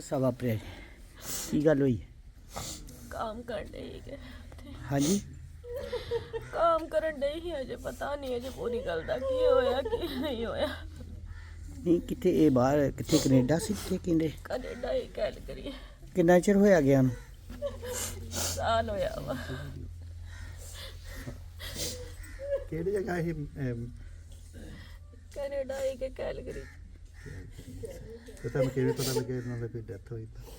ਹਾਦਸਾ ਵਾਪਰਿਆ ਜੀ, ਕੀ ਗੱਲ ਹੋਈ? काम कर रही है ਹਾਂਜੀ काम करन डई ही अजे पता नहीं अजे पूरी गल दा की होया की नहीं होया ਨਹੀਂ ਕਿੱਥੇ ਇਹ ਬਾਹਰ ਕਿੱਥੇ ਕੈਨੇਡਾ ਸੀ ਕਿੱਥੇ ਕਹਿੰਦੇ कनेडा ही गल करिए ਕਿੰਨਾ ਚਿਰ ਹੋਇਆ ਗਿਆ ਨੂੰ? साल होया वा ਕਿਹੜੀ ਜਗ੍ਹਾ ਇਹ कनेडा ही के गल करी ਤੇ ਤੁਹਾਨੂੰ ਕਿਵੇਂ ਪਤਾ ਲੱਗਿਆ ਇਹਨਾਂ ਦੀ ਕੋਈ ਡੈਥ ਹੋਈ ਤਾਂ?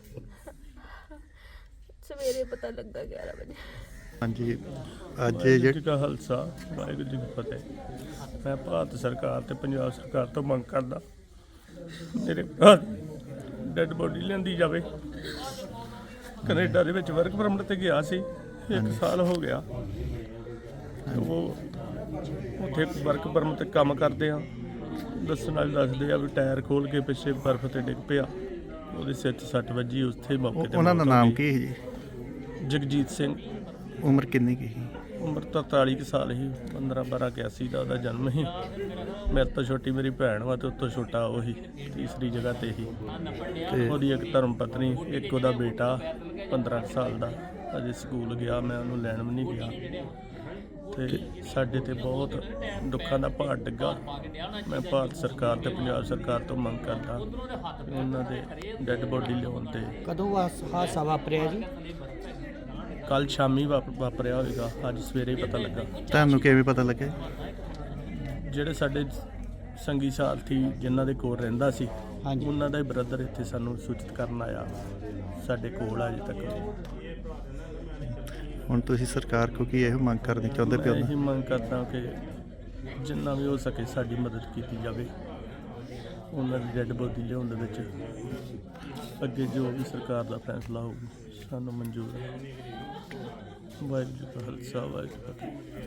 सवेरे पता लगा 11 बजे ਹਾਂਜੀ ਅੱਜ ਵਾਹਿਗੁਰੂ ਜੀ ਕਾ ਖਾਲਸਾ ਵਾਹਿਗੁਰੂ ਜੀ ਕੀ ਫਤਿਹ। ਮੈਂ ਭਾਰਤ ਸਰਕਾਰ ਤੇ ਪੰਜਾਬ ਸਰਕਾਰ ਤੋਂ ਮੰਗ ਕਰਦਾ ਮੇਰੇ ਭਰਾ ਡੈਡ ਬੋਡੀ ਲਿਆਂਦੀ ਜਾਵੇ। ਕੈਨੇਡਾ ਦੇ ਵਿੱਚ ਵਰਕ ਪਰਮਿਟ ਤੇ ਗਿਆ ਸੀ, 1 ਸਾਲ ਹੋ ਗਿਆ। ਉਹ ਉੱਥੇ ਵਰਕ ਪਰਮਿਟ ਤੇ ਕੰਮ ਕਰਦੇ ਆ, ਦੱਸਣ ਵਾਲੇ ਦੱਸਦੇ ਆ ਵੀ ਟਾਇਰ ਖੋਲ ਕੇ ਪਿੱਛੇ ਬਰਫ਼ ਤੇ ਡਿੱਗ ਪਿਆ, ਉਹਦੇ ਸਿਰ 'ਚ ਸੱਟ ਵੱਜੀ। ਉੱਥੇ ਮੌਕੇ ਤੇ ਉਹਨਾਂ ਦਾ ਮੌਤ ਹੋ ਨਾਮ ਗਈ। ਕੀ ਹੈ ਜੀ? ਜਗਜੀਤ ਸਿੰਘ, ਉਮਰ ਕਿੰਨੀ ਕੀ ਸੀ? ਉਮਰ ਤਾਂ 43 ਕੁ ਸਾਲ ਸੀ। 15/12/81 ਦਾ ਉਹਦਾ ਜਨਮ ਸੀ। ਮੇਰੇ ਤੋਂ ਛੋਟੀ ਮੇਰੀ ਭੈਣ ਵਾ ਤੇ ਉਸ ਤੋਂ ਛੋਟਾ ਉਹੀ ਤੀਸਰੀ ਜਗ੍ਹਾ ਤੇ ਹੀ। ਤੇ ਉਹਦੀ ਇੱਕ ਧਰਮ ਪਤਨੀ, ਇੱਕ ਉਹਦਾ ਬੇਟਾ 15 ਸਾਲ ਦਾ, ਅਜੇ ਸਕੂਲ ਗਿਆ। ਮੈਂ ਉਹਨੂੰ ਲੈਣ ਵੀ ਨਹੀਂ ਗਿਆ। ਤੇ ਸਾਡੇ ਤੇ ਬਹੁਤ ਦੁੱਖਾਂ ਦਾ ਭਾਰ ਡਿੱਗਾ। ਮੈਂ ਭਾਰਤ ਸਰਕਾਰ ਤੇ ਪੰਜਾਬ ਸਰਕਾਰ ਤੋਂ ਮੰਗ ਕਰਦਾ ਕਿ ਉਹਨਾਂ ਦੇ ਡੈੱਡ ਬੋਡੀ ਲਿਆਉਣ ਤੇ। ਕਦੋਂ ਹਾਦਸਾ ਵਾਪਰਿਆ ਜੀ? ਕੱਲ ਸ਼ਾਮੀ ਵਾਪਰਿਆ ਹੋਵੇਗਾ, ਅੱਜ ਸਵੇਰੇ ਹੀ ਪਤਾ ਲੱਗਾ। ਤੁਹਾਨੂੰ ਕਿਵੇਂ ਪਤਾ ਲੱਗਿਆ? ਜਿਹੜੇ ਸਾਡੇ ਸੰਗੀ ਸਾਥੀ ਜਿਨ੍ਹਾਂ ਦੇ ਕੋਲ ਰਹਿੰਦਾ ਸੀ, ਹਾਂਜੀ। ਉਹਨਾਂ ਦਾ ਹੀ ਬ੍ਰਦਰ ਇੱਥੇ ਸਾਨੂੰ ਸੂਚਿਤ ਕਰਨ ਆਇਆ। ਸਾਡੇ ਕੋਲ ਅਜੇ ਤੱਕ ਹੁਣ ਤੁਸੀਂ ਸਰਕਾਰ ਕੋ ਕੀ ਇਹੋ ਮੰਗ ਕਰਨੀ ਚਾਹੁੰਦੇ ਮੈਂ ਪਿਓ? ਇਹੀ ਮੰਗ ਕਰਦਾ ਕਿ ਜਿੰਨਾ ਵੀ ਹੋ ਸਕੇ ਸਾਡੀ ਮਦਦ ਕੀਤੀ ਜਾਵੇ। ਉਹਨਾਂ ਦੀ ਡੈੱਡ ਬੋਡੀ ਲਿਆਉਣ ਦੇ ਵਿੱਚ ਅੱਗੇ ਜੋ ਵੀ ਸਰਕਾਰ ਦਾ ਫੈਸਲਾ ਹੋਊ ਸਾਨੂੰ ਮਨਜ਼ੂਰ ਹੈ। ਵਾਹਿਗੁਰੂ ਜੀ ਕਾ ਖਾਲਸਾ ਵਾਹਿਗੁਰੂ ਜੀ ਕੀ ਫਤਿਹ।